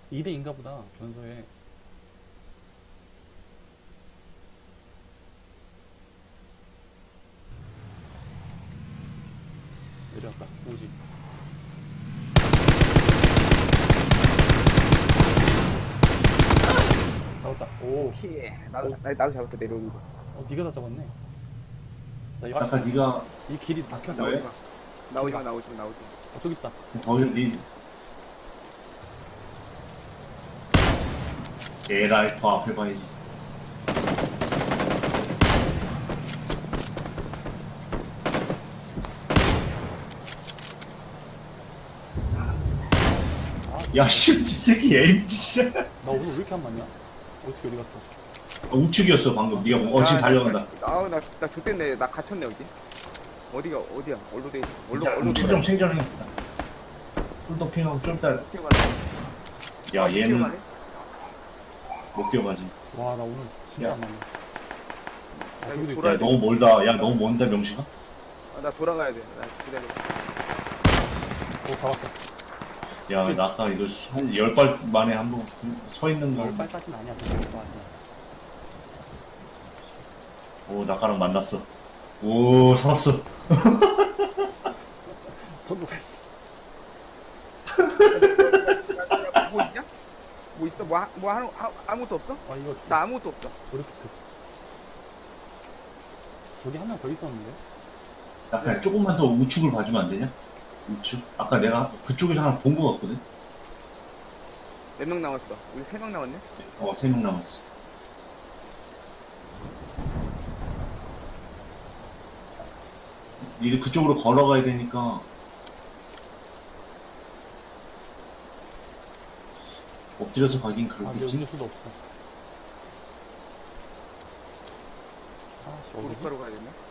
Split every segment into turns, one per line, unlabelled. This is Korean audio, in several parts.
2대인가 보다 변소에. 내려왔다. 오지. 잡았다. 오.
피. 나도 잡았어 내려오는 거.
네가 다 잡았네. 나 이거
아까 네가
이 길이 막혔어.
왜?
나오지 마. 나오지 마.
저기 있다.
거기 네 에라이 더 앞에 봐야지. 야씨 이 새끼 에임 진짜.
나 오늘 왜 이렇게 안 맞냐? 어떻게 어디 갔어?
우측이었어 방금. 네가 지금 달려간다.
나 좆됐네. 나 갇혔네 여기. 어디야? 얼로 돼 있어. 얼로
우측 좀 생존해. 풀도핑하고 좀 이따. 야 얘는 못 뛰어가지.
와, 나 오늘 진짜
야.
안 맞네.
야,
여기도
이거
있다.
야 너무 멀다. 야 너무 먼다 명식아.
나 돌아가야 돼. 나 기다려.
잡았어.
야 나 아까 이거 한 10발 만에 한 번 서 있는 걸.
빨까지는 아니야. 그거 아니야.
오 나가랑 만났어. 오 살았어.
전부
뭐 있냐? 뭐 있어? 아무것도 없어?
이거
나 아무것도 없어.
오리피트. 저기 한 명 더 있었는데?
나 그냥 조금만 더 우측을 봐주면 안 되냐? 우측? 아까 내가 그쪽에서 하나 본 거 같거든?
몇 명 남았어? 우리 3명 남았네?
3명 남았어. 니들 그쪽으로 걸어가야 되니까 엎드려서 가긴
근데
그렇겠지?
음료수도 없어. 어디지?
도로가로 가야 되네?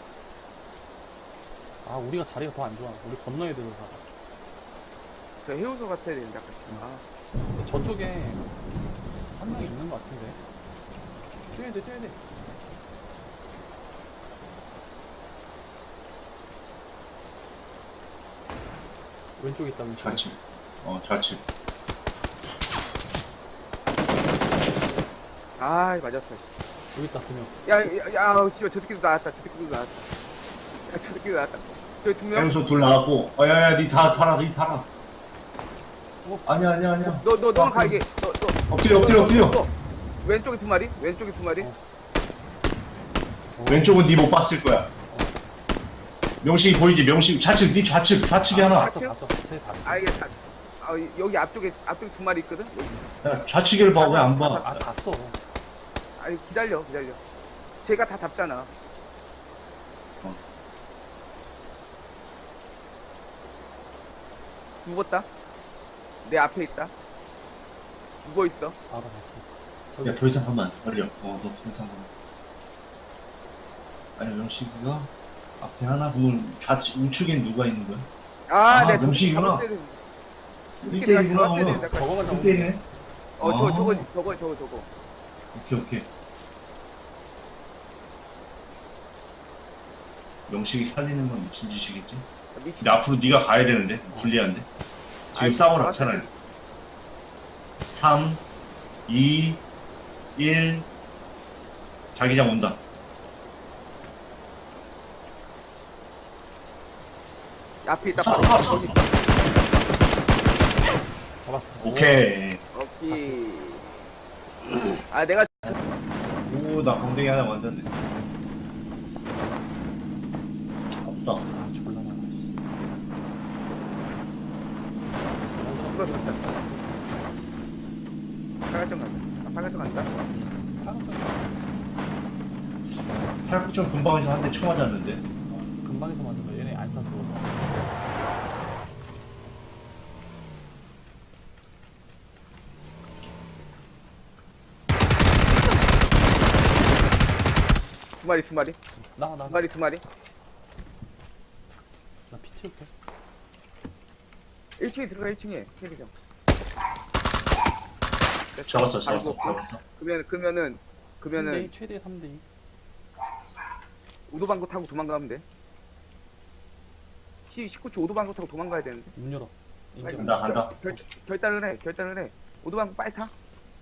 우리가 자리가 더 안 좋아. 우리 건너야 되는 사.
저 해우소 갔어야 되는데 아까.
저쪽에 한 명 있는 것 같은데. 뛰어야 돼. 왼쪽에 있다, 왼쪽.
좌측. 좌측.
맞았어.
여기 있다, 두 명.
씨발, 저 새끼도 나왔다. 저기 2명?
해우소 둘 나왔고, 야야야, 니 다 타라, 니 타라. 아니야.
너는 가게.
엎드려.
왼쪽에 2마리?
왼쪽은 니 못 봤을 거야. 명식이 보이지? 명식, 니 좌측이 하나.
봤어. 쟤 봤어.
이게 여기 앞쪽에 2마리 있거든?
야, 좌측을 봐, 왜 안 봐?
봤어.
기다려. 제가 다 잡잖아. 죽었다. 내 앞에 있다. 죽어 있어.
봤어.
야, 더 이상 가면 안 돼. 걸려. 너 더 이상 가면. 아니, 명식이가 앞에 하나, 그건 우측엔 누가 있는 거야?
내가
명식이구나. 1대1이구나.
저거만 잡으면
1대1이네.
저거.
오케이. 명식이 살리는 건 미친 짓이겠지? 근데 앞으로 네가 가야 되는데 불리한데 지금 싸워라 차라리. 3 2 1 자기장 온다.
앞에 있다.
쏴.
잡았어.
오케이.
오케이. 내가
오, 나 공댕이 하나 만졌네. 없다.
졸라 많아.
죽었다. 파갈정 간다.
팔굽혀펴 금방에서 한 대 쳐 맞았는데.
금방에서 맞은 거 얘네 안 쐈어.
두 마리.
나와.
두 마리.
나 피 채울게.
1층에 들어가 1층에. 체리장.
잡았어.
그러면은
최대 3대2.
우도방구 타고 도망가면 돼. 19초 우도방구 타고 도망가야 되는데.
문 열어.
간다.
결단을 해. 오도방 빨리 타.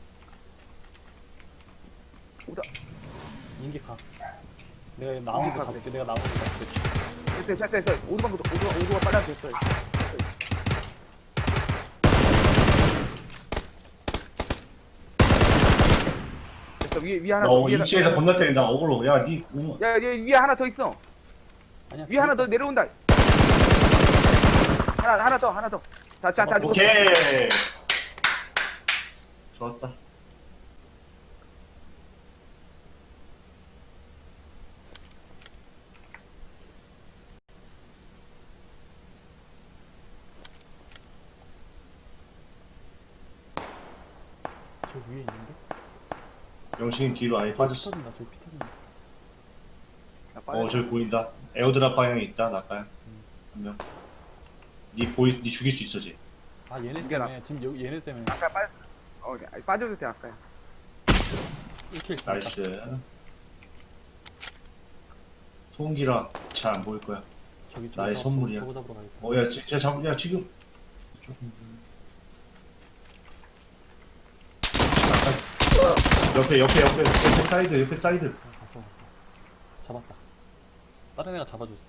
오다.
인기 가. 내가 나오는 거 잡을게. 내가 나오는 거 잡을게.
됐어. 오도방 빨리 됐어. 됐어. 위에 하나
너
위에
위치에서 겁나 때린다. 어글로. 야,
야, 위에 하나 더 있어.
아니야.
위에 하나 더 내려온다. 하나 더. 자,
오케이. 좋았다.
저 위에 있는데?
영신이 뒤로 아예
피
빠졌어.
터진다. 저기 피 터진다.
저기 보인다. 에어드랍 방향에 있다. 나까야. 한 명. 니 죽일 수 있어, 지.
아 얘네
이게 나-
때문에 지금 여기 얘네 때문에
아까 빠져도 돼 아까야.
1킬
나이스. 소음기라 잘 안 보일 거야.
저기
나의 선물이야.
저거 잡으러 가야겠다.
야, 진짜 야, 지금. 조금. 옆에 사이드.
갔어. 잡았다. 다른 애가 잡아줬어.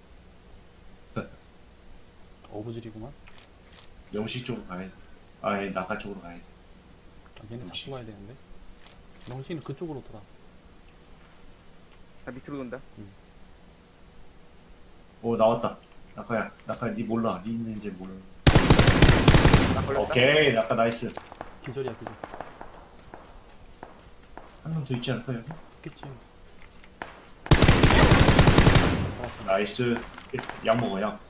어부질이구만.
명식 쪽으로 가야 돼. 아니, 나가 쪽으로 가야 돼.
아, 얘네
역시.
잡고 가야 되는데. 명신은 그쪽으로 돌아.
나 밑으로 돈다.
나왔다. 나까야, 니 몰라. 니 있는지 몰라.
나 걸렸다.
오케이, 나까 나이스.
기절이야 기절.
한 명 더 있지 않을까, 여기?
있겠지. 잡았어.
나이스. 약 먹어, 약.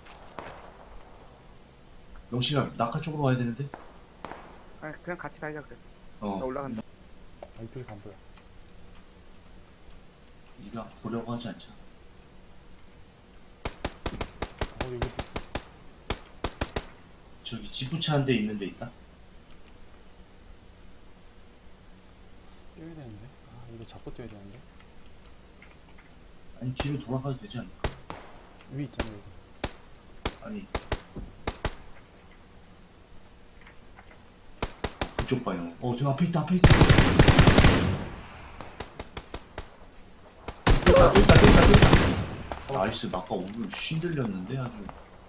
명식아, 나까 쪽으로 와야 되는데?
아, 그냥 같이 다니자 그래. 나 올라간다.
아 이쪽에서 안 보여.
네가 보려고 하지 않잖아.
여기 있어.
저기 지부차 한 대 있는 데 있다?
뛰어야 되는데. 아 이거 잡고 뛰어야 되는데.
아니, 뒤로 돌아가도 되지 않을까?
위 있잖아 여기.
아니. 그쪽 방향. 저 앞에 있다. 또 있다. 나이스. 나 아까 오늘 쉰들렸는데 아주.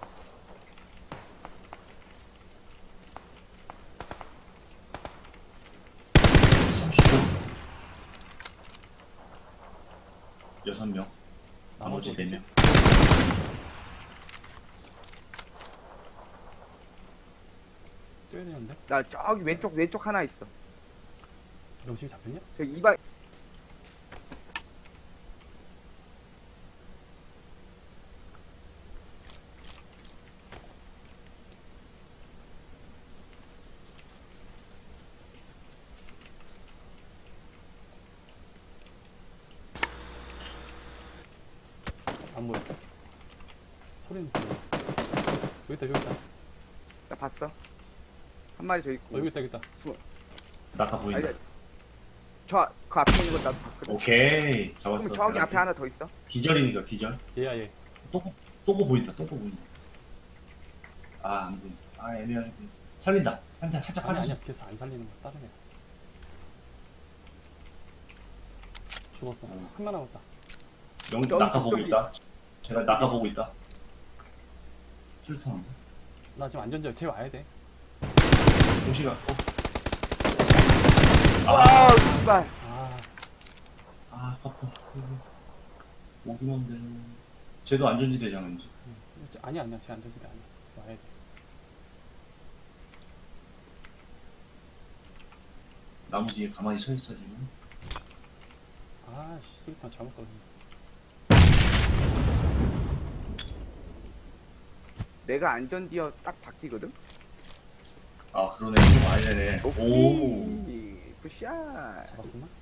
여섯 명. 나머지 4명.
뛰어야 되는데.
나 저기 왼쪽 하나 있어.
명식이 잡혔냐?
저 이방
안 보여. 소리는 들려. 여기 있다.
나 봤어. 한 마리 저 있고.
여기 있다.
나가 보인다.
아니, 그 앞에 있는 거 나도 봤거든.
오케이. 잡았어.
그럼 저기 앞에 하나 더 있어.
기절이니까 기절.
얘야 얘.
또고 보인다. 아, 안 보인다. 아, 애매하게 보인다. 살린다. 한자 살짝
아니야
빠져.
아니야. 그래서 안 살리는 거 다른 애. 죽었어. 한 명 남았다.
명
저기,
나가 보고
저기.
있다. 제가 나가 보고 있다. 술탄.
나 지금 안전지역 쟤 와야 돼.
동시가.
아, 씨발.
아깝다. 오긴 한데. 쟤도 안전지대잖아 이제.
아니야 쟤 안전지대 아니야. 와야 돼.
나무 뒤에 가만히 서 있어 지금.
아 씨발 잘못 걸렸네.
내가 안전디어 딱 바뀌거든.
아, 그러네. 좀 많이 되네. 오.
오케이. 굿샷.
잡았었나?